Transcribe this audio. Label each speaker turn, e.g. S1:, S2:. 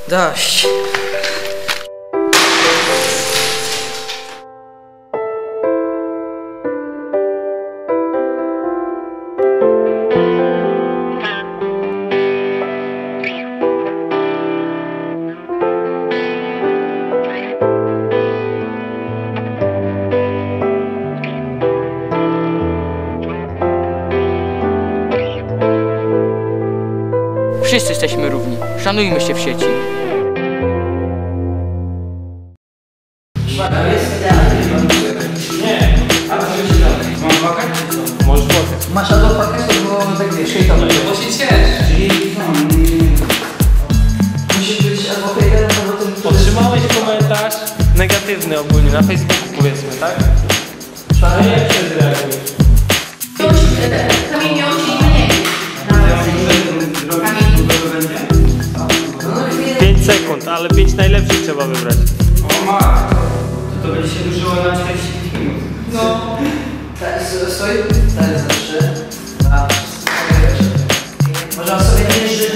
S1: Dość. Wszyscy jesteśmy równi. Szanujmy się w sieci.
S2: Nie. A to się dalej. Mam płakać? Możesz płakać.
S1: Masz albo pakietu, bo tak wiesz, hejtowy.
S2: Bo się ciesz.
S1: Czyli musisz być albo hejterem, albo tym, który...
S2: Otrzymałeś komentarz negatywny ogólnie na Facebooku, powiedzmy, tak? Ale jak się zreagujesz?
S3: Kamień miał się nie.
S2: 5 sekund, ale 5 najlepszych trzeba wybrać.
S4: O matko, to będzie się dłużyło na 40 minut.
S1: No. Stoi? Tak, za 3, 2, 1. Można sobie nie życzyć.